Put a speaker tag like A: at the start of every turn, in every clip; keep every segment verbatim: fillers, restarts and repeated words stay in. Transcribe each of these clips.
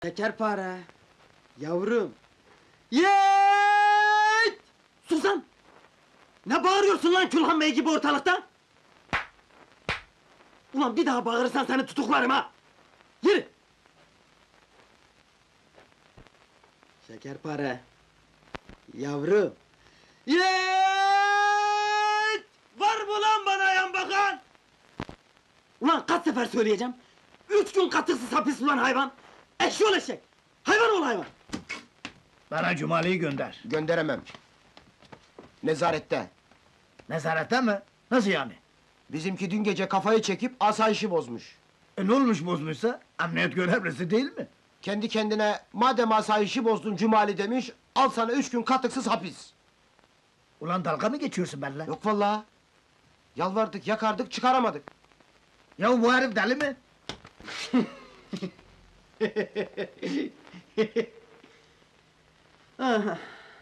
A: Şekerpare, yavrum. Yeeeet! Susan! Ne bağırıyorsun lan Külhan Bey gibi ortalıkta? Ulan bir daha bağırırsan seni tutuklarım ha! Yürü! Şekerpare, yavrum. Yeeeet! Var mı lan bana yan bakan? Ulan kaç sefer söyleyeceğim? Üç gün katıksız hapis ulan hayvan! Eşşoğlu eşek! Hayvan ol hayvan!
B: Bana Cumali'yi gönder.
C: Gönderemem. Nezarette.
B: Nezarette mi? Nasıl yani?
C: Bizimki dün gece kafayı çekip asayişi bozmuş.
B: E ne olmuş bozmuşsa? Emniyet görevlisi değil mi?
C: Kendi kendine madem asayişi bozdun Cumali demiş, al sana üç gün katıksız hapis.
B: Ulan dalga mı geçiyorsun benimle?
C: Yok vallahi. Yalvardık, yakardık, çıkaramadık.
B: Ya bu herif deli mi?
A: Aha.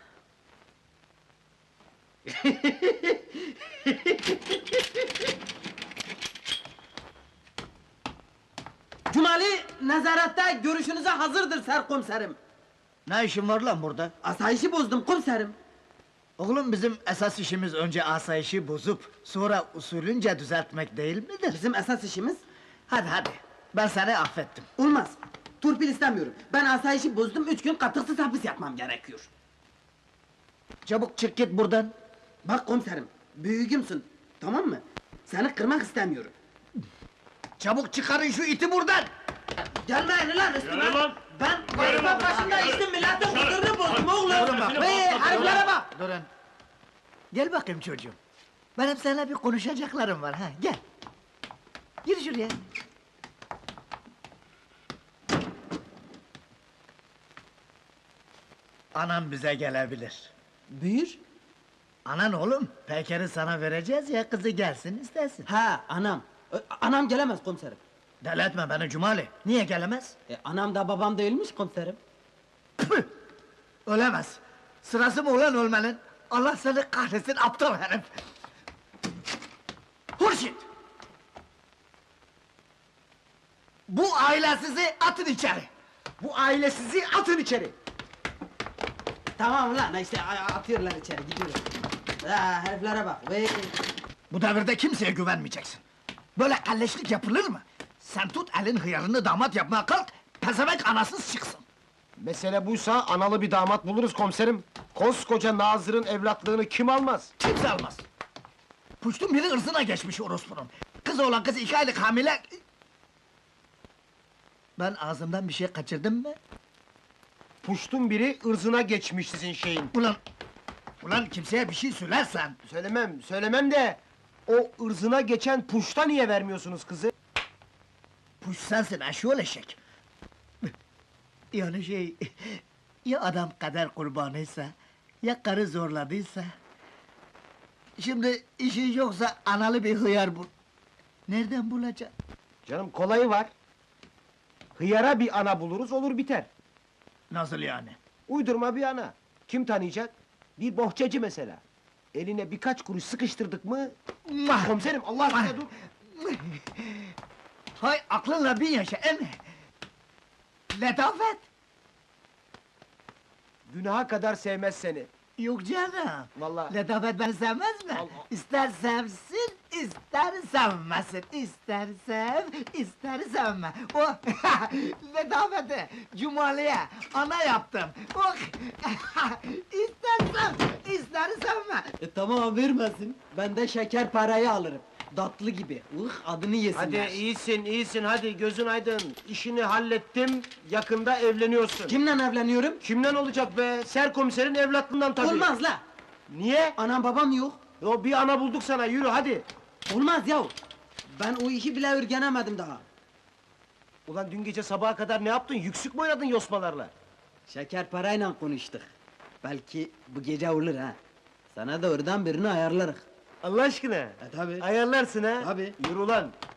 A: Cumali, nezarette görüşünüze hazırdır serkomiserim.
B: Ne işin var lan burada?
A: Asayişi bozdum komiserim.
B: Oğlum bizim esas işimiz önce asayişi bozup sonra usulünce düzeltmek değil midir?
A: Bizim esas işimiz...
B: Hadi hadi, ben seni affettim.
A: Olmaz, turpil istemiyorum. Ben asayişi bozdum, üç gün katıksız hapis yatmam gerekiyor.
B: Çabuk çık git buradan.
A: Bak komiserim, büyüğümsün, tamam mı? Seni kırmak istemiyorum.
B: Çabuk çıkarın şu iti buradan!
A: Gelmeyin lan üstüme!
D: Yürü lan!
A: Ben
D: Yürü
A: vazife
D: lan!
A: başında içtim, milletin huzurunu bozdum oğlum!
B: Durun bak.
A: Hey, heriflere bak!
B: Durun. Gel bakayım çocuğum. Benim seninle bir konuşacaklarım var ha, gel. Gir şuraya. Anam bize gelebilir.
A: Buyur.
B: Anan oğlum, Peker'i sana vereceğiz ya, kızı gelsin istesin.
A: Ha, anam. Ö, Anam gelemez komiserim.
B: Deli etme beni Cumali, niye gelemez?
A: E, anam da babam değilmiş komiserim.
B: Püh! Ölemez. Sırası mı ulan ölmenin? Allah seni kahretsin aptal herif! Hurşit! Bu aile sizi atın içeri!
C: Bu aile sizi atın içeri.
A: Tamam lan, işte a- atıyorlar içeri, gidiyorlar. Ha, heriflere bak, vey!
B: Bu devirde kimseye güvenmeyeceksin. Böyle kalleşlik yapılır mı? Sen tut elin hıyarını damat yapmaya kalk, pezevenk anasız çıksın!
C: Mesele buysa analı bir damat buluruz komiserim. Koskoca Nazır'ın evlatlığını kim almaz?
B: Kimse almaz! Puştun biri ırzına geçmiş orospunun! Kız olan kız iki aylık hamile... Ben ağzımdan bir şey kaçırdım mı?
C: Puştun biri ırzına geçmiş sizin şeyin.
B: Ulan... Ulan kimseye bir şey söylersen...
C: Söylemem, söylemem de... O ırzına geçen puşta niye vermiyorsunuz kızı?
B: Puş sensin eşyol eşek! Yani şey... Ya adam kader kurbanıysa... Ya karı zorladıysa... Şimdi işin yoksa analı bir hıyar bul... Nereden bulacağım?
C: Canım kolayı var. Hıyara bir ana buluruz, olur biter.
B: Nasıl yani?
C: Uydurma bir ana. Kim tanıyacak? Bir bohçacı mesela. Eline birkaç kuruş sıkıştırdık mı...
B: Mah!
C: Komiserim, Allah aşkına dur!
B: Hay aklınla bin yaşa emme! Letafet!
C: Günaha kadar sevmez seni.
B: Yok canım!
C: Vallahi.
B: Letafet beni sevmez mi?
C: Allah.
B: İster sevsin, ister sevmesin! İster sev, ister sevme! O letafeti Cumali'ye ana yaptım! Oh! İster sev, ister sevme!
A: E tamam, vermesin. Ben de şeker parayı alırım. Tatlı gibi, ıh adını yesinler.
C: Hadi iyisin, iyisin, hadi gözün aydın. İşini hallettim, yakında evleniyorsun.
A: Kimle evleniyorum?
C: Kimden olacak be? Serkomiserin evlatlığından tabii.
A: Olmaz la!
C: Niye?
A: Anam babam yok.
C: O bir ana bulduk sana, yürü hadi!
A: Olmaz yahu! Ben o işi bile örgenemedim daha.
C: Ulan dün gece sabaha kadar ne yaptın? Yüksük mü oynadın yosmalarla?
A: Şeker parayla konuştuk. Belki bu gece olur ha. Sana da oradan birini ayarlarız.
C: Allah aşkına!
A: E tabi.
C: Ayarlarsın ha?
A: Tabii.
C: Yürü ulan!